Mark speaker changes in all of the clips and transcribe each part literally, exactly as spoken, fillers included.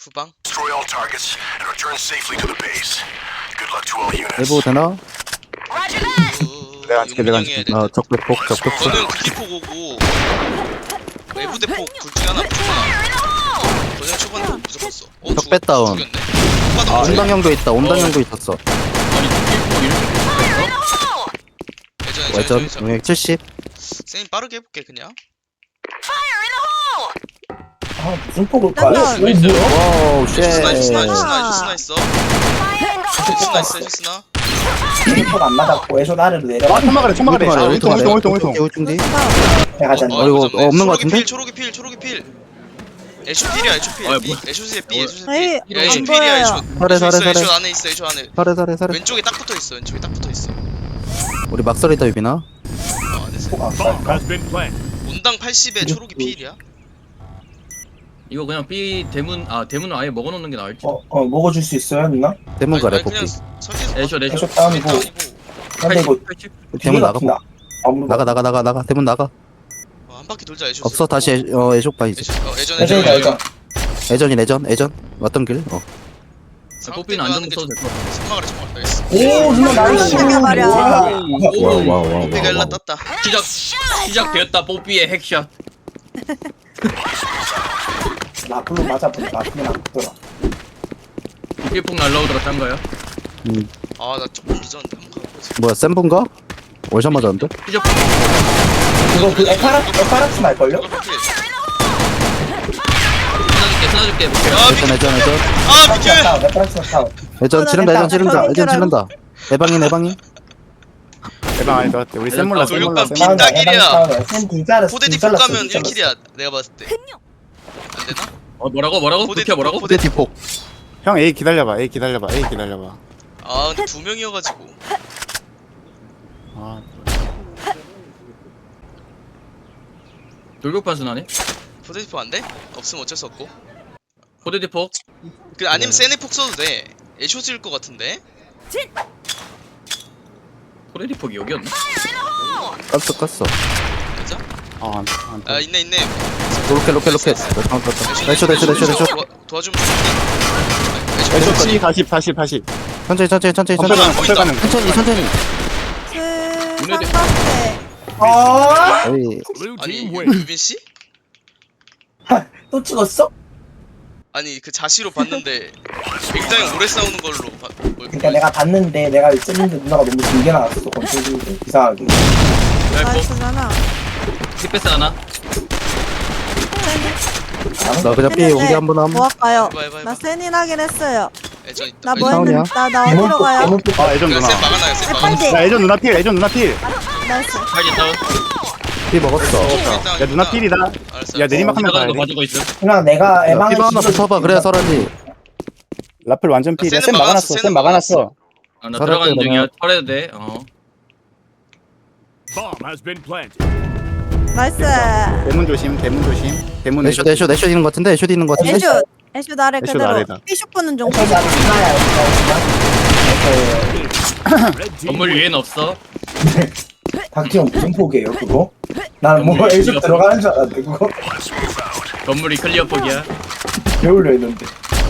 Speaker 1: 후방.
Speaker 2: Destroy all targets and return safely to the base. Good luck to all units.
Speaker 3: 내부 되나?
Speaker 4: 내가 앉을게, 내가
Speaker 1: 앉게.
Speaker 3: 아 적배폭 적배폭
Speaker 1: 너는 극기폭 오고 외부 대폭 둘 중에 하나 무조건. 너네 초반에 무조건 써. 어,
Speaker 3: 적배 다운.
Speaker 1: 죽였네.
Speaker 3: 아, 온당형도 있다 온당형도 있었어.
Speaker 5: 아니 킬포 이렇게 했어?
Speaker 1: 예전
Speaker 3: 외전
Speaker 1: 예전 예전.
Speaker 3: 용액 칠십.
Speaker 1: 쌤 빠르게 해볼게 그냥.
Speaker 6: 아 무슨 폭을 까? 오
Speaker 7: 나-
Speaker 6: 뭐야?
Speaker 3: 와우
Speaker 1: 스나 스나
Speaker 3: 쉣.
Speaker 1: 스나 스나 있어. 스나 있어 스나.
Speaker 6: 폭 안 맞았고 애쇼 아래로 내려가.
Speaker 4: 아 천막아래 천막아래 아 울통 울통 울통 울통
Speaker 3: 울통디.
Speaker 6: 내가 잤네.
Speaker 3: 어, 이거
Speaker 1: 잡네.
Speaker 3: 없는 거
Speaker 1: 초록이
Speaker 3: 같은데?
Speaker 1: 필 초록이 필 초록이 필. 애쇼 필이야 애쇼 필.
Speaker 5: 아,
Speaker 1: B
Speaker 5: 뭐-
Speaker 1: 애쇼스의 B 애쇼스의
Speaker 7: 아이,
Speaker 1: B. 야, 애쇼
Speaker 7: 안
Speaker 1: 필이야
Speaker 7: 보여요.
Speaker 1: 애쇼.
Speaker 3: 사례,
Speaker 1: 애쇼
Speaker 3: 사례,
Speaker 1: 있어,
Speaker 3: 사례.
Speaker 1: 애쇼 안에 있어 애쇼 안에.
Speaker 3: 사례 사례 사례.
Speaker 1: 왼쪽에 딱 붙어 있어 왼쪽에 딱 붙어 있어.
Speaker 3: 우리 막설이다 유빈아.
Speaker 1: 어 안에서.
Speaker 6: 폭안 깔까?
Speaker 1: 온당 팔십에 초록이 필이야.
Speaker 5: 이거 그냥 B 대문 아 대문을 아예 먹어놓는 게 나을지.
Speaker 6: 어, 어 먹어줄 수 있어요 누나?
Speaker 3: 대문 가래
Speaker 1: 아니,
Speaker 3: 복귀.
Speaker 1: 그냥 설계해서
Speaker 5: 애쇼 애쇼.
Speaker 6: 애쇼 다운이고. 근데 이거
Speaker 5: 팔십.
Speaker 3: 대문 나가.
Speaker 6: 나. 아무도
Speaker 3: 나가 나가 나가 나가 대문 나가.
Speaker 1: 어, 한 바퀴 돌자 애쇼.
Speaker 3: 없어 다시 애- 어 애쇼 봐 이제.
Speaker 1: 애쇼 어 애전
Speaker 6: 애쇼이다 애쇼.
Speaker 3: 애전이 애전 애전 왔던 길. 어.
Speaker 5: 뽀삐는 안전 써도 될 것 같아.
Speaker 1: 생각을 해서 알겠어.
Speaker 6: 오 누나 나이스.
Speaker 7: 이게 말이야.
Speaker 6: 우와.
Speaker 3: 와우 와우 와우.
Speaker 1: 뽀삐가 일라
Speaker 3: 와우.
Speaker 1: 땄다.
Speaker 5: 시작 시작되었다 뽀삐의 핵샷.
Speaker 6: 라플로 맞아보니 라플은 안 붙더라.
Speaker 5: 킬폭 날라오더라 짠가요?
Speaker 3: 음,
Speaker 1: 아나 조금 늦었는데 한번 가보자.
Speaker 3: 뭐야 센분가? 월샷 맞았는데?
Speaker 5: 시작.
Speaker 6: 이거 그 에파라 에파락스 말걸요?
Speaker 1: 이거 필.
Speaker 5: 쓰나줄게 쓰나줄게.
Speaker 1: 야
Speaker 3: 애전
Speaker 1: 비켜.
Speaker 3: 애전 애전
Speaker 1: 아 비켜.
Speaker 6: 다운 에파락스 다운.
Speaker 3: 애전 치른다 애전 치른다
Speaker 7: 저기
Speaker 3: 애전 치른다. 에방인 에방인.
Speaker 4: 대박 아닐 것 같아 우리 쌤 몰라 쌤 몰라
Speaker 1: 돌격반
Speaker 4: 쌤 몰라
Speaker 1: 빈딱이야.
Speaker 6: 쌤둘 잘랐어.
Speaker 1: 포대디 폭 가면 일 킬이야 내가 봤을 때. 안 되나?
Speaker 5: 어 뭐라고 뭐라고?
Speaker 1: 포대
Speaker 5: 그렇게 뭐라고?
Speaker 3: 포대 디폭.
Speaker 4: 형 A 기다려봐 A 기다려봐 A 기다려봐
Speaker 1: 아 근데 두 명이어가지고.
Speaker 4: 아
Speaker 5: 돌격반 순하네.
Speaker 1: 포대디폭 안 돼? 없으면 어쩔 수 없고.
Speaker 5: 포대디폭.
Speaker 1: 그 아니면 세네폭 써도 돼. 애쇼 쓸 것 같은데.
Speaker 5: 포대디폭이 여기였나?
Speaker 3: 깠어 깠어.
Speaker 1: 맞아?
Speaker 4: 아, 안, 안,
Speaker 1: 아 있네 있네.
Speaker 3: 로켓 로켓 로켓. 애쇼 애쇼 애쇼 애쇼.
Speaker 1: 도와- 도와주면 좋겠네.
Speaker 4: 애쇼
Speaker 1: 애쇼
Speaker 4: C 사십 사십 사십
Speaker 3: 천천히 천천히 천천히
Speaker 4: 건설 가능
Speaker 3: 천천히.
Speaker 4: 건설 가능
Speaker 3: 천천히 천천히.
Speaker 7: 그
Speaker 5: 눈에
Speaker 7: 삼각대.
Speaker 6: 아,
Speaker 3: 어이
Speaker 1: 아니 유빈 씨?
Speaker 6: 또 찍었어?
Speaker 1: 아니 그 자시로 봤는데 굉장히 오래 싸우는 걸로 봐. 뭐,
Speaker 6: 그러니까 내가 봤는데 내가 찍는데 누나가 너무 길게 나왔어. 건조기 이상하게.
Speaker 7: 나이스잖아.
Speaker 5: 힙패스 하나.
Speaker 3: 나 그냥 B 온게 한번 함.
Speaker 7: 뭐 할까요?
Speaker 1: 해봐, 해봐, 해봐.
Speaker 7: 나 세닌 하긴 했어요.
Speaker 1: 애전 있다.
Speaker 7: 나 뭐
Speaker 1: 애전.
Speaker 3: 싸우냐?
Speaker 7: 했는데 나, 나 어디로 가요?
Speaker 4: 아 애전
Speaker 1: 그냥
Speaker 4: 누나
Speaker 1: 쌤 막아놔요 쌤
Speaker 7: 아,
Speaker 1: 막아놔요.
Speaker 7: 빨리.
Speaker 4: 야 애전 누나 필 애전 누나 필
Speaker 7: 나이스.
Speaker 5: 팔기 다운.
Speaker 3: B 먹었어.
Speaker 4: 야 누나 필이다
Speaker 1: 알았어.
Speaker 4: 야 내리막 하면
Speaker 5: 지나가는
Speaker 4: 가야
Speaker 5: 거
Speaker 4: 돼
Speaker 5: 가지고 있어.
Speaker 6: 그냥 내가 에방을
Speaker 3: 피바 하나 붙어봐 그래야 설하지.
Speaker 4: 라플 완전 필이야
Speaker 1: 쌤은
Speaker 4: 쌤 막아놨어
Speaker 1: 막아놨어,
Speaker 4: 쌤
Speaker 1: 쌤은
Speaker 4: 막아놨어
Speaker 5: 아, 나
Speaker 3: 살았대,
Speaker 5: 들어가는 중이야.
Speaker 3: 그러면.
Speaker 5: 털해도 돼. 어.
Speaker 7: 나이스.
Speaker 4: 대문 조심 대문 조심 대문
Speaker 3: 애쇼 애쇼 애쇼 있는 거 같은데 애쇼 있는 거 같은데.
Speaker 7: 애쇼. 애쇼 나래
Speaker 4: 애쇼
Speaker 7: 그대로.
Speaker 4: 나래다.
Speaker 7: 피쇼프는 좀.
Speaker 6: 저기 안에 누나야. 누나.
Speaker 5: 건물 위에는 없어.
Speaker 6: 박지영 무슨 폭이에요 그거? 나는 뭐 애쇼 들어가는 줄 알았는데 그거
Speaker 5: 건물이 클리어 폭이야.
Speaker 6: 배우려 했는데.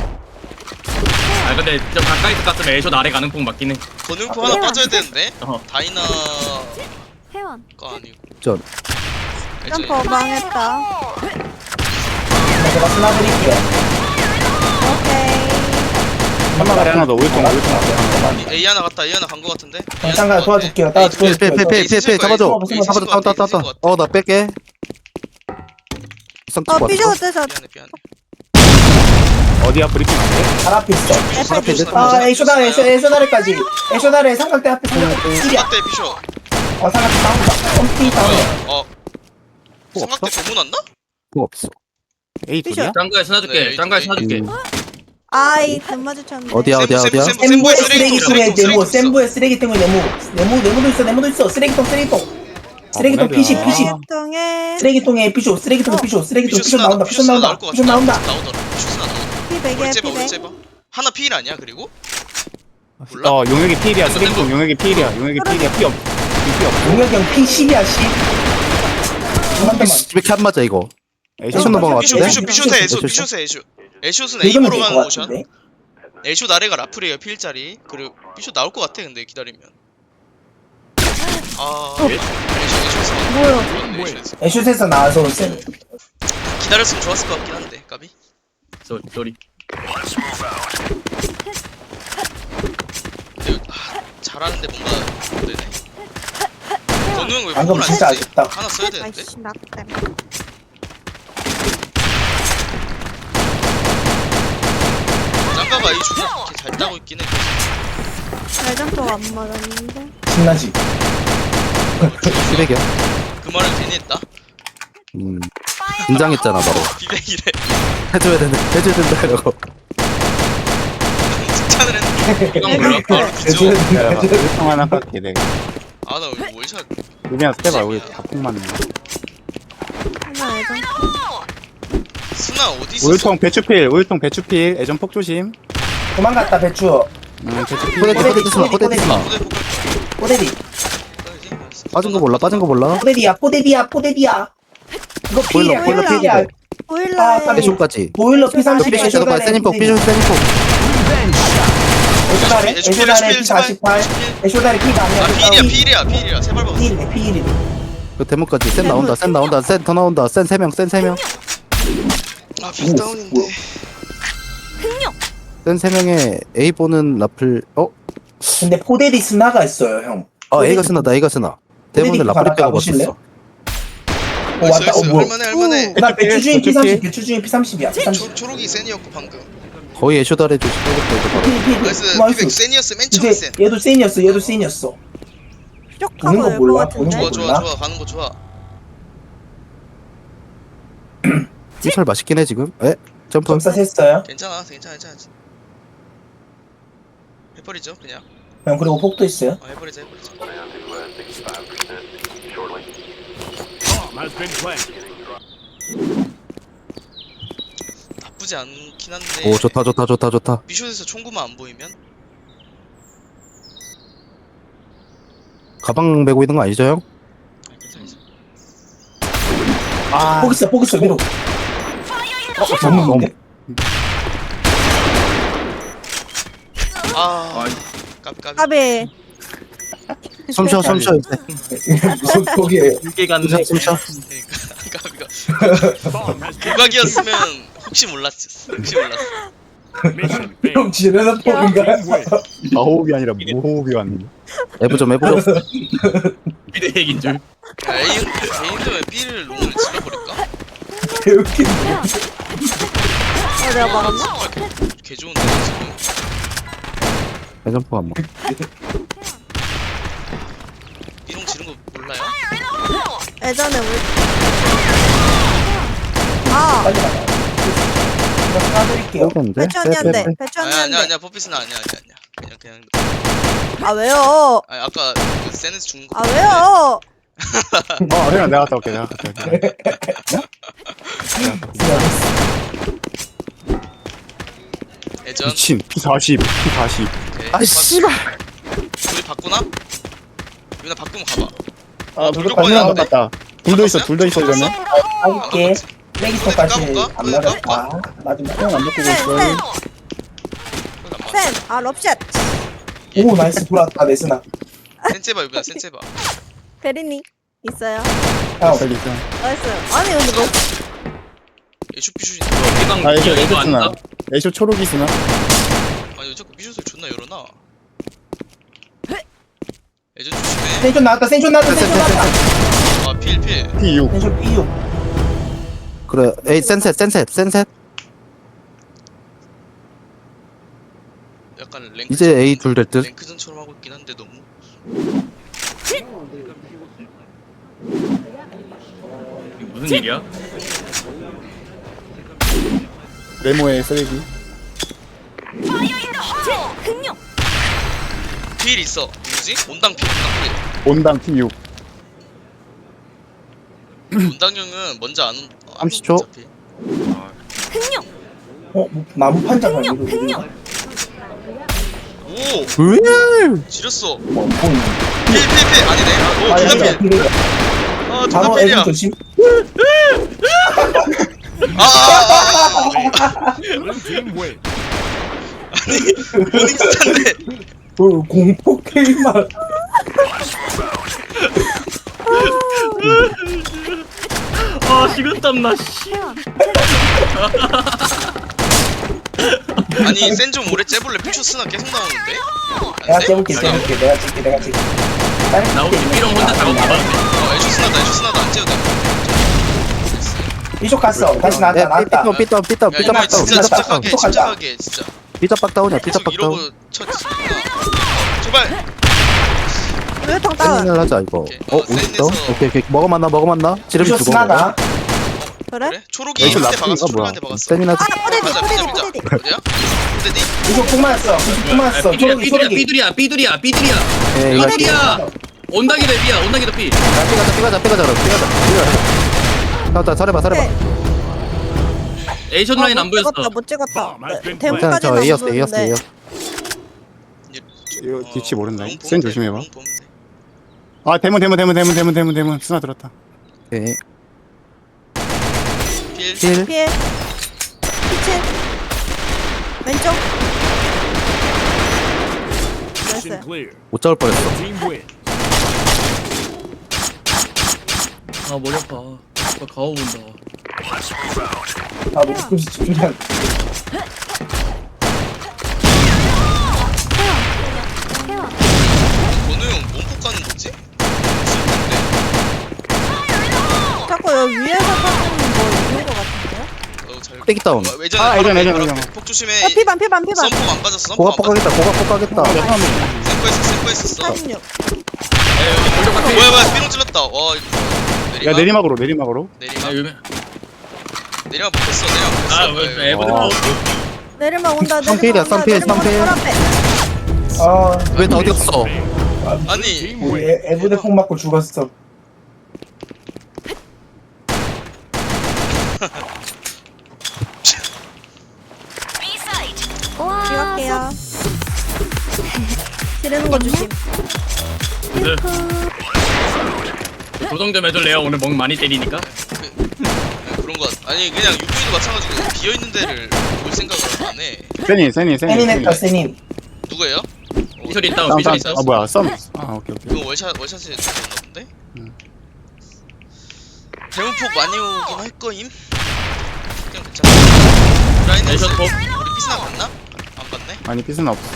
Speaker 5: 아 근데 좀 가까이서 갔으면 애쇼 아래 가는 폭 맞긴 해.
Speaker 1: 권능포 하나 빠져야 되는데.
Speaker 5: 어.
Speaker 1: 다이나
Speaker 7: 회원.
Speaker 1: 거 아니고.
Speaker 3: 전.
Speaker 1: 애전.
Speaker 7: 점퍼 망했다.
Speaker 6: 제가 스나드릴게요.
Speaker 7: 오케이.
Speaker 4: 한마가리 하나 더 울통 울통 앞에
Speaker 1: A 하나 갔다 A 하나 간 거 같은데.
Speaker 6: 잠깐 도와줄게요. 따라 도와줄게요.
Speaker 3: 빼빼빼빼빼 잡아줘. 잡아줘 따 따 따 따. 어나 뺄게. 쌍
Speaker 7: 어
Speaker 3: 찍고
Speaker 7: 피쇼
Speaker 3: 왔어.
Speaker 7: 떼서.
Speaker 1: 미안해 미안해.
Speaker 4: 어디야 브리핑 안돼?
Speaker 6: 발 앞에 있어.
Speaker 3: 발 앞에 있어.
Speaker 6: 아 애쇼다래 애쇼 애쇼다래까지. 애쇼다래 삼각대 앞에 삼각대 일이야.
Speaker 1: 삼각대 비쇼.
Speaker 6: 어 삼각대 다운다. 홈티 다운.
Speaker 1: 어.
Speaker 3: 뭐
Speaker 1: 삼각대
Speaker 3: 없어?
Speaker 1: 고문 왔나?
Speaker 3: 뭐 없어.
Speaker 4: A 둘이야?
Speaker 5: 짱가에 스나줄게.
Speaker 1: 네,
Speaker 5: 짱가에
Speaker 1: 네.
Speaker 5: 스나줄게.
Speaker 3: 음.
Speaker 7: 아이 등 마주쳤는데.
Speaker 3: 어디야 어디야
Speaker 1: 샘부,
Speaker 3: 어디야?
Speaker 1: 샘부,
Speaker 6: 샘부에
Speaker 1: 샘부에
Speaker 6: 쓰레기
Speaker 1: 쓰레기통,
Speaker 6: 쓰레기
Speaker 1: 쓰레기통
Speaker 6: 네모
Speaker 1: 있어.
Speaker 6: 샘부에 쓰레기통에 네모 네모 네모도 있어 네모도 있어 쓰레기통 쓰레기통 쓰레기통
Speaker 4: 뭐야,
Speaker 6: 피시
Speaker 4: 이거.
Speaker 6: 피시
Speaker 7: 통에
Speaker 6: 쓰레기통에 피쇼 쓰레기통 피쇼 쓰레기통 피쇼
Speaker 1: 비쇼스나
Speaker 6: 나온다 피쇼
Speaker 1: 비쇼스나
Speaker 6: 나온다
Speaker 1: 나올 것
Speaker 6: 피쇼
Speaker 1: 같아.
Speaker 6: 나온다
Speaker 1: 나오더라. 비쇼스나 나오더라.
Speaker 7: 피백에
Speaker 1: 우리 째봐 우리
Speaker 7: 피백.
Speaker 1: 째봐. 하나 필 아니야 그리고? 몰라?
Speaker 4: 어 용역이 필이야 쓰레기통 용역이 필이야 용역이 필이야 피 없. 피 없.
Speaker 6: 용혁이 형 피 십이야 십 한 대만
Speaker 3: 왜 이렇게 안 맞아 이거?
Speaker 4: 에이
Speaker 3: 애쇼 넘어가
Speaker 1: 비쇼
Speaker 3: 같은데?
Speaker 1: 비쇼 비쇼세 애쇼
Speaker 3: 애쇼?
Speaker 1: 비쇼세 애쇼. 애슛은 A
Speaker 6: 이거면
Speaker 1: 보러
Speaker 6: 될
Speaker 1: 가는
Speaker 6: 것
Speaker 1: 모션.
Speaker 6: 같은데.
Speaker 1: 애슛 아래가 라플이에요 필자리. 그리고 B슛 나올 것 같아 근데 기다리면. 아 애슛 애슛에서
Speaker 7: 뭐야?
Speaker 1: 애슛에서
Speaker 6: 애슛에서 나와서 센.
Speaker 1: 기다렸으면 좋았을 것 같긴 한데 까비.
Speaker 5: 쏘리 쏘리.
Speaker 2: Let's move out.
Speaker 1: 근데 아, 잘하는데 뭔가 안 되네. 건우 형왜
Speaker 6: 방금
Speaker 1: 폭을 안
Speaker 6: 진짜
Speaker 1: 쓰지?
Speaker 6: 아쉽다.
Speaker 1: 하나 써야 되는데.
Speaker 7: 아이씨 낙댐.
Speaker 1: 짱가가 이 슛을 이렇게 잘 따고 있긴 해.
Speaker 7: 발전포가 안 맞았는데.
Speaker 6: 신나지.
Speaker 3: 피백이야.
Speaker 1: 그 말을 괜히 했다.
Speaker 3: 음. 긴장했잖아 바로.
Speaker 1: 비백이래.
Speaker 3: 해줘야 된다. 해줘야 된다 이러고.
Speaker 1: 칭찬을 했는데. 이건 몰라. 바로 뒤져.
Speaker 6: 애슛
Speaker 4: 야, 일통 하나 깎게 내가.
Speaker 1: 아나 월샷.
Speaker 4: 우리랑 스텝아 우리 다폭 맞네.
Speaker 7: 하나 애전.
Speaker 1: 스나 어디 있었어?
Speaker 4: 우유통 배추필, 우유통 배추필, 애전 폭 조심.
Speaker 6: 도망갔다 배추.
Speaker 4: 응, 배추필.
Speaker 3: 포대디 포대디 스나 포대디 스나.
Speaker 1: 포대 포대
Speaker 6: 포데디.
Speaker 3: 빠진 거 몰라 빠진 거 몰라.
Speaker 6: 포데디야 포데디야 포데디야. 이거
Speaker 3: 보일러,
Speaker 6: 피야
Speaker 3: 보일러,
Speaker 6: 피야.
Speaker 3: 피야.
Speaker 6: 아,
Speaker 7: 보일러에
Speaker 6: 깜짝이야.
Speaker 3: 애쇼까지.
Speaker 6: 보일러 피 삼십.
Speaker 3: 삐쇼 들어가 세니폭 삐쇼 세니폭.
Speaker 6: 애쇼다리 애쇼다리 피 사십팔. 애쇼다리 피가
Speaker 1: 아
Speaker 6: 아니야.
Speaker 1: 피일이야 피일이야 피일이야 세발 박았어.
Speaker 6: 피일이네 피일이네.
Speaker 3: 그 데모까지 센 나온다 센 나온다 센 더 나온다 센 세 명 센 세 명.
Speaker 1: 아 빅다운인데.
Speaker 3: 센 세 명에 A 보는 라플. 어?
Speaker 6: 근데 포데디 스나가 있어요 형.
Speaker 3: 어 A가 스나다 A가 스나. 대부분
Speaker 6: 포데디
Speaker 3: 라플이
Speaker 6: 하나
Speaker 3: 빼고
Speaker 6: 가보실래요?
Speaker 3: 봤었어.
Speaker 6: 어
Speaker 1: 있어
Speaker 6: 왔다. 어
Speaker 1: 있어
Speaker 6: 뭐.
Speaker 1: 할만해 할만해.
Speaker 6: 나 배추주인 피 삼십. 배추주인 피 삼십이야. 피 삼십.
Speaker 1: 초, 초록이 센이었고 방금.
Speaker 3: 거의 애쇼다레 조심 빼고 이거 바로.
Speaker 6: 피, 피,
Speaker 1: 나이스
Speaker 6: 나이스.
Speaker 1: 피백 센이었어 맨 처음 센.
Speaker 6: 이제 얘도 센이었어. 얘도 센이었어. 보는 거
Speaker 7: 뾰족하고
Speaker 6: 몰라,
Speaker 7: 열것
Speaker 6: 보는
Speaker 7: 같은데.
Speaker 6: 거.
Speaker 1: 좋아 좋아 좋아 가는 거 좋아.
Speaker 3: 삐설 맛있긴 해 지금. 에? 점프.
Speaker 6: 점사 셌어요.
Speaker 1: 괜찮아 괜찮아 괜찮아. 해버리죠 그냥.
Speaker 6: 형 그리고 폭도 있어요.
Speaker 1: 어, 해버리자 해버리자. 나쁘지 않긴 한데.
Speaker 3: 오 좋다 좋다 좋다 좋다.
Speaker 1: 미션에서 총구만 안 보이면.
Speaker 3: 가방 메고 있는 거 아니죠 형?
Speaker 1: 아, 괜찮아 괜찮아.
Speaker 4: 아,
Speaker 6: 폭 있어 폭 있어 위로. 어 잡는데.
Speaker 1: 아 까비 까비.
Speaker 7: 까비.
Speaker 3: 숨쉬어 숨쉬어.
Speaker 6: 무슨 폭이에요.
Speaker 5: 이게 갔네.
Speaker 3: 숨쉬어.
Speaker 1: 그러니까 까비가. 고각이었으면 혹시 몰랐어. 혹시 몰랐어.
Speaker 6: 형 지르는 폭인가?
Speaker 4: 아호흡이 아니라 무호흡이 왔네.
Speaker 3: 에브 좀 에브 좀.
Speaker 5: 미래 얘긴 줄.
Speaker 1: 야 A A인데 왜 B를 롱을 질러버릴까?
Speaker 6: 개웃긴데.
Speaker 7: 어 내가 막았나?
Speaker 1: 아, 개, 개 좋은데 지금.
Speaker 3: 대점프 한 번.
Speaker 1: B롱 지른 거 몰라요?
Speaker 7: 예전에 우리. 아
Speaker 6: 빨리 나가. 이거 사드릴게요.
Speaker 3: 빼는데?
Speaker 7: 배추 언니한테. 배추
Speaker 1: 아니 아니야
Speaker 7: 언니한테.
Speaker 1: 아니야 퍼피스는 아니야 아니야 아니야. 그냥 그냥.
Speaker 7: 아 왜요?
Speaker 1: 아니 아까 그 세네스 죽는 거.
Speaker 7: 아 왜요?
Speaker 4: 어, 그냥 내가 갔다 올게. 내가 갔다 올게.
Speaker 1: 예전.
Speaker 4: 미친 피 사십, 피 사십.
Speaker 1: 오케이.
Speaker 3: 아 씨발.
Speaker 1: 둘이 바꾸나? 유나 바꾸면 가봐.
Speaker 4: 아,
Speaker 1: 돌
Speaker 4: 돌
Speaker 1: 뻔히
Speaker 4: 뻔히
Speaker 1: 났네.
Speaker 4: 갔다. 둘도 있어, 둘도 있어 이러면.
Speaker 6: 할게. 레기터까지
Speaker 1: 까볼까?
Speaker 6: 안
Speaker 1: 까볼까?
Speaker 6: 맞았다. 마지막.
Speaker 4: 형안 바꾸고
Speaker 7: 센
Speaker 4: 있어.
Speaker 7: 센. 센. 아 럽샷.
Speaker 6: 오 나이스 돌았다 내스나.
Speaker 1: 센체바 유나 센체바.
Speaker 7: 베리니 있어요.
Speaker 6: 형
Speaker 4: 저기 있어.
Speaker 7: 나이스. 아니 근데 너
Speaker 1: 에슈피슛이.
Speaker 5: 피방
Speaker 4: 아, 애쇼
Speaker 5: 이거
Speaker 4: 애쇼 쓰나?
Speaker 5: 아닌가?
Speaker 4: 애쇼 초록이 쓰나?
Speaker 1: 아니 왜 자꾸 피슛을 존나 열어놔. 예전 조심해.
Speaker 6: 센션 나왔다. 센션 나왔다. 센션 나왔다.
Speaker 1: 아 필 필.
Speaker 4: 피 육.
Speaker 6: 센션 삐유.
Speaker 3: 그래 에이 센셋 센셋 센셋.
Speaker 1: 약간 랭크.
Speaker 3: 이제 A 둘 될 듯.
Speaker 1: 랭크전처럼 하고 있긴 한데 너무.
Speaker 5: 이거 무슨 일이야?
Speaker 4: 네모의 쓰레기.
Speaker 1: 필 있어. 누구지? 온당 필 온당
Speaker 4: 온당 피 육.
Speaker 1: 필. 온당 형은 먼저 안 온. 안
Speaker 3: 삼십 초.
Speaker 1: 어차피.
Speaker 6: 어 뭐, 나무 판자가 이거.
Speaker 1: 오
Speaker 3: 으.
Speaker 1: 지렸어.
Speaker 6: 어 보이네.
Speaker 1: 필 필 필 아니네. 오
Speaker 6: 아
Speaker 1: 두단
Speaker 6: 여기가
Speaker 1: 필.
Speaker 6: 필이야.
Speaker 1: 아
Speaker 6: 바로
Speaker 1: 두단
Speaker 6: 애기
Speaker 1: 필이야.
Speaker 6: 조심.
Speaker 1: 아
Speaker 2: Blue team win.
Speaker 1: 모닝스타인데
Speaker 6: 그 공포 게임만.
Speaker 5: 아 식은땀 나 씨.
Speaker 1: 아니 센 좀 오래 째볼래. 피쇼스나 계속 나오는데
Speaker 6: 내가 재볼게 재볼게 내가 찍게 내가 찍게.
Speaker 5: 나 혹시 삐롱 혼자 작업 가봤는데.
Speaker 1: 어 에쇼스나다 에쇼스나다 안 째도 돼.
Speaker 6: 이쪽 갔어. 다시 나왔다
Speaker 3: 네,
Speaker 6: 나왔다.
Speaker 3: 삐뚤 삐뚤 삐뚤
Speaker 1: 야
Speaker 3: 삐뚤
Speaker 1: 이거
Speaker 3: 빡 다운
Speaker 1: 진짜
Speaker 6: 삐뚤
Speaker 1: 침착하게
Speaker 6: 삐뚤
Speaker 1: 침착하게 진짜
Speaker 3: 삐뚤 빡 다운이야 삐뚤
Speaker 1: 계속
Speaker 3: 빡 다운
Speaker 1: 이러고 쳐 있으니까 제발
Speaker 7: 물통 다운.
Speaker 3: 세닝을 하자 이거
Speaker 1: 오케이.
Speaker 3: 어
Speaker 1: 어,
Speaker 3: 어디 있어?
Speaker 1: 세닝에서-
Speaker 3: 오케이 오케이 먹어만나 먹어만나 지름이
Speaker 6: 이쪽
Speaker 3: 죽어
Speaker 6: 스나다.
Speaker 7: 그래?
Speaker 1: 그래? 초록이
Speaker 3: 이쪽
Speaker 1: 한대 박았어
Speaker 3: 라프인가
Speaker 1: 초록이
Speaker 3: 뭐야
Speaker 1: 한대 박았어
Speaker 3: 세닝하지
Speaker 7: 아 포대디
Speaker 1: 가자
Speaker 7: 포대디
Speaker 1: 피자
Speaker 7: 포대디.
Speaker 1: 피자 어디야? 어디디?
Speaker 6: 이쪽 폭 맞았어. 이쪽 폭 맞았어.
Speaker 5: 삐둘이야
Speaker 6: 초록이
Speaker 5: 삐둘이야
Speaker 6: 초록이.
Speaker 5: 삐둘이야 삐둘이야 삐둘이야
Speaker 3: 예 이거
Speaker 5: 삐둘이야. 온다기 대비야 온다기 대비.
Speaker 3: 야, 삐가자 삐가자 삐가자 그럼 삐가자 삐가자 자자 잘해봐 잘해봐
Speaker 5: 에이션 라인 안 보였어.
Speaker 7: 찍었다 못 찍었다. 네,
Speaker 3: 괜찮아
Speaker 7: 대문까지는
Speaker 3: 저
Speaker 7: 안
Speaker 3: A였어 A였어
Speaker 7: 보였는데.
Speaker 3: A였어
Speaker 4: 이거 뒤치 모른다.
Speaker 1: 롱 보면
Speaker 4: 센
Speaker 1: 돼,
Speaker 4: 조심해봐.
Speaker 1: 롱 보면 돼.
Speaker 4: 아 대문 대문 대문 대문 대문 대문 대문 스나 들었다.
Speaker 3: 오케이
Speaker 1: 필
Speaker 3: 힐
Speaker 7: 피해. 피칠. 왼쪽.
Speaker 2: Mission
Speaker 7: 나이스.
Speaker 2: clear.
Speaker 3: 못 잡을 뻔했어
Speaker 2: Team win.
Speaker 5: 아 머리 아파. 나 가오 본다.
Speaker 6: 아 목숨 집중이 안 돼.
Speaker 1: 건우 형 몸폭 가는 거지? 있을 텐데.
Speaker 7: 자꾸 여기 위에서 터지는 뭐 있는 거 같은데요?
Speaker 1: 어, 잘-
Speaker 3: 떼기 다운.
Speaker 1: 어, 예전에
Speaker 4: 아,
Speaker 1: 바로
Speaker 4: 예전,
Speaker 1: 앞에,
Speaker 4: 예전,
Speaker 1: 바로
Speaker 4: 예전.
Speaker 1: 앞에. 폭 조심해.
Speaker 7: 어, 피반 피반 피반.
Speaker 1: 썸폭 안 빠졌어. 썸폭
Speaker 3: 고가
Speaker 1: 안 빠졌어.
Speaker 3: 폭가겠다 고가 폭가겠다
Speaker 1: 센코했어 센코했었어.
Speaker 7: 삼십육.
Speaker 5: 야 여기 골격 같아.
Speaker 1: 뭐야 뭐야 삐롱 찔렀다. 와 이거 내리막.
Speaker 4: 야 내리막으로 내리막으로.
Speaker 1: 내리막.
Speaker 5: 아 유명.
Speaker 1: 내리막 못했어. 내리막 못했어.
Speaker 5: 아 왜, 에브드
Speaker 4: 와.
Speaker 5: 파워.
Speaker 7: 내리막 온다
Speaker 3: 삼필이야,
Speaker 7: 내리막 온다
Speaker 3: 삼필,
Speaker 7: 내리막
Speaker 3: 삼필.
Speaker 7: 온다 앞에.
Speaker 6: 아
Speaker 3: 왜 다 어디 갔어
Speaker 1: 아니
Speaker 2: Team
Speaker 6: 우리
Speaker 2: win.
Speaker 6: 애- 애부대 폭 맞고 죽었어.
Speaker 7: 들어갈게요. 지르는 거 조심.
Speaker 5: 네. 조정 좀 해줄래요? 오늘 멍 많이 때리니까.
Speaker 1: 그, 그런 거 같- 아니 그냥 유부이도 마찬가지고 비어 있는 데를 볼 생각을 안 해.
Speaker 4: 세니 세니 세니.
Speaker 6: 세닌 했다 세닌.
Speaker 1: 누구예요?
Speaker 5: 피셜 있다.
Speaker 4: 다운
Speaker 5: 피셜
Speaker 4: 다운.
Speaker 5: 있다.
Speaker 4: 아 뭐야 썸. 아 오케이 오케이.
Speaker 1: 그거 월샷 월샷에 죽었나 본데?
Speaker 4: 음.
Speaker 1: 대문폭 많이 오긴 할 거임. 그냥 괜찮아. 라인은
Speaker 5: 에이션 폭.
Speaker 1: 우리 피스나 갔나? 안 갔네.
Speaker 4: 아니 피스는 없어.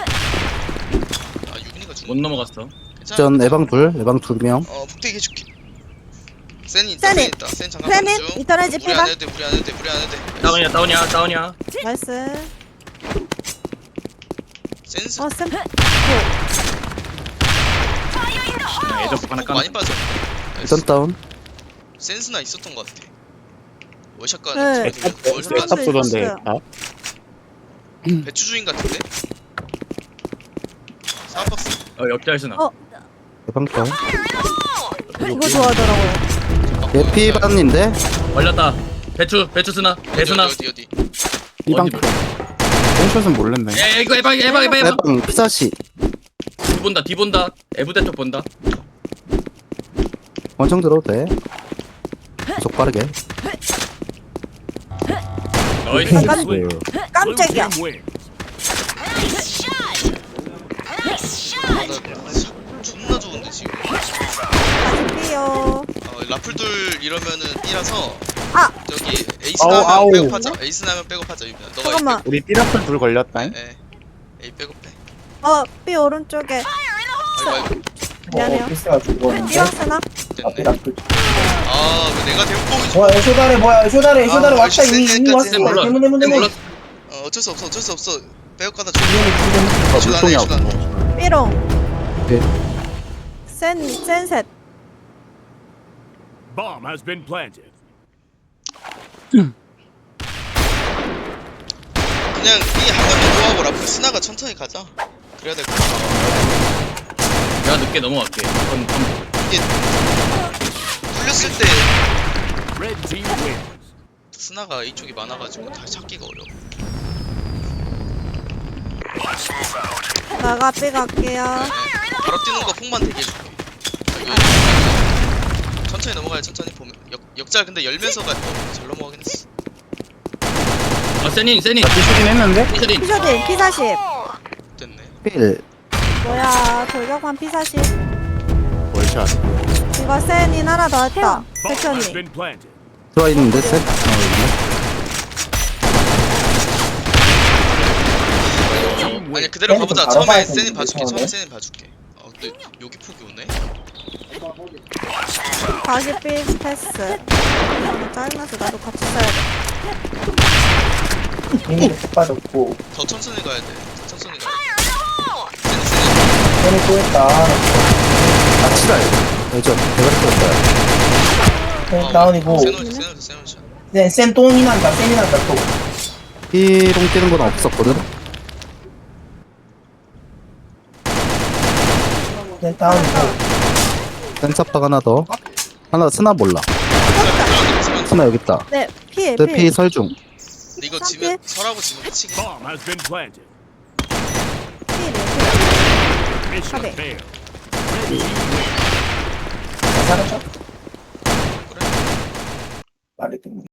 Speaker 1: 아 유빈이가 죽.
Speaker 5: 못 넘어갔어.
Speaker 1: 괜찮아.
Speaker 3: 전 에방 둘 에방 두명
Speaker 1: 어 폭대기 해줄게. 센이 있다.
Speaker 7: 센이.
Speaker 1: 센 있다. 센 잠깐
Speaker 7: 센이
Speaker 1: 봐줘.
Speaker 7: 이터널지
Speaker 1: 무리 안
Speaker 7: 피반.
Speaker 1: 해도 돼. 무리 안 해도 돼. 무리 안 해도 돼.
Speaker 5: 다운이야 다운이야 다운이야.
Speaker 7: 나이스.
Speaker 1: 센스.
Speaker 7: 어 쌤.
Speaker 5: 애적 하나
Speaker 1: 폭 많이
Speaker 5: 깐.
Speaker 1: 빠져.
Speaker 3: 일단 다운
Speaker 1: 센스나 있었던 것 같아. 월샷
Speaker 7: 네.
Speaker 1: 가는
Speaker 7: 네.
Speaker 1: 월샷
Speaker 7: 네.
Speaker 1: 가는
Speaker 4: 탑 쏘던데.
Speaker 7: 있었어요.
Speaker 4: 아
Speaker 1: 배추 주인 같은데? 사박스.
Speaker 5: 어 역잘 쓰나.
Speaker 7: 어.
Speaker 3: 에방 다운
Speaker 7: 이거 좋아하더라고요.
Speaker 3: 얘 피반인데
Speaker 5: 걸렸다. 배추 배추 쓰나. 배수나.
Speaker 1: 어디 어디 어디.
Speaker 4: 이방
Speaker 5: 어디
Speaker 4: 센샷은 모르는데.
Speaker 5: 야 이거 해봐 해봐 해봐 해봐.
Speaker 3: 에방 피사시
Speaker 5: 뒤 본다 뒤 본다. 에브대 쪽 본다.
Speaker 3: 원청 들어도 돼 계속 빠르게
Speaker 5: 나이스.
Speaker 7: 깜,
Speaker 2: Blue
Speaker 7: 깜짝이야.
Speaker 2: team win.
Speaker 1: 아, 나 샷 존나 좋은데 지금.
Speaker 7: 가줄게요.
Speaker 1: 어, 라플들 이러면은 B라서
Speaker 7: 아!
Speaker 1: 저기 에이스
Speaker 4: 아우,
Speaker 1: 나면
Speaker 4: 아우.
Speaker 1: 백업하자. 에이스 나면 백업하자 유빈아. 너가
Speaker 7: 잠깐만.
Speaker 4: 우리 삐라플 둘 걸렸다.
Speaker 1: 예. 예. A 백업해.
Speaker 7: 어 B 오른쪽에.
Speaker 1: 아이고 아이고.
Speaker 7: 미안해요.
Speaker 6: 어 피스가 죽었는데.
Speaker 7: 삐왕스나?
Speaker 6: 앞에
Speaker 1: 됐네.
Speaker 6: 나쁠.
Speaker 1: 아, 그 내가 대문폭이
Speaker 6: 뭐야 애쇼다래 뭐야 애쇼다래 애쇼다래
Speaker 1: 아,
Speaker 6: 왔다
Speaker 1: 역시
Speaker 6: 이미 이미 왔어.
Speaker 1: 센
Speaker 5: 몰라.
Speaker 6: 대문 대문
Speaker 5: 쌤
Speaker 6: 대문.
Speaker 5: 몰라.
Speaker 1: 어, 어쩔 수 없어. 어쩔 수 없어. 백업 가다 줘.
Speaker 4: 아
Speaker 1: 애쇼 나네,
Speaker 4: 물통이
Speaker 1: 애쇼 나네.
Speaker 4: 없어.
Speaker 7: 삐롱.
Speaker 3: 네.
Speaker 7: 센 센셋.
Speaker 2: Bomb has been planted.
Speaker 1: 그냥 B 한 번만 더 하고 라플 스나가 천천히 가자. 그래야 될 것 같아.
Speaker 5: 내가 늦게 넘어갈게. 건, 건.
Speaker 1: 이게 뚫렸을 때
Speaker 2: Red team wins.
Speaker 1: 스나가 이쪽이 많아가지고 다시 찾기가 어려워.
Speaker 7: 나가 B 갈게요.
Speaker 1: 바로 뛰는 거 폭만 대기해줄게. 여기 천천히 넘어가야 천천히 보면 역, 역잘 근데 열면서 가. 어, 잘 넘어가긴 했어.
Speaker 5: 아 세닌 세닌
Speaker 4: 부수긴 했는데?
Speaker 5: 세닌
Speaker 7: 피쇼딘 피 사십.
Speaker 1: 됐네.
Speaker 3: 필
Speaker 7: 뭐야 돌격만 피 사십.
Speaker 3: 월샷
Speaker 7: 이거 센인 하나 더 했다. 백현이.
Speaker 3: 들어와 있는데 셋?
Speaker 1: 아니 그대로
Speaker 6: 쟤는
Speaker 1: 가보자.
Speaker 6: 좀
Speaker 1: 처음에
Speaker 6: 바로
Speaker 1: 세닌
Speaker 6: 봐야
Speaker 1: 봐줄게.
Speaker 6: 되는데,
Speaker 1: 처음에 세닌 봐줄게. 어 근데 여기 폭이 오네.
Speaker 7: 다시 삐 패스. 너무 짜증나서 나도 같이 써야 돼.
Speaker 6: 이미 못 빠졌고.
Speaker 1: 더 천천히 가야 돼. 더 천천히 가야 돼. 세닌 세닌.
Speaker 6: 쟤는 또 했다.
Speaker 3: 아 치랄 예전 대가리 떴어요
Speaker 6: 쟤는 다운이고.
Speaker 1: 세노 세노 세노 샷.
Speaker 6: 쟤, 센 똥이 난다, 센이 난다, 또.
Speaker 3: B롱 뛰는 건 없었거든?
Speaker 6: 쟤 다운이고.
Speaker 3: 센사팍 하나 더 하나 스나 몰라 스나 여기 있다
Speaker 7: 네, 피해
Speaker 3: 내 피
Speaker 7: 피해.
Speaker 3: 설중
Speaker 1: 근데 이거 지면 설하고 지면 끝이긴 해.
Speaker 7: 피해. 가베.
Speaker 6: 잘 살았죠? 말이 듣는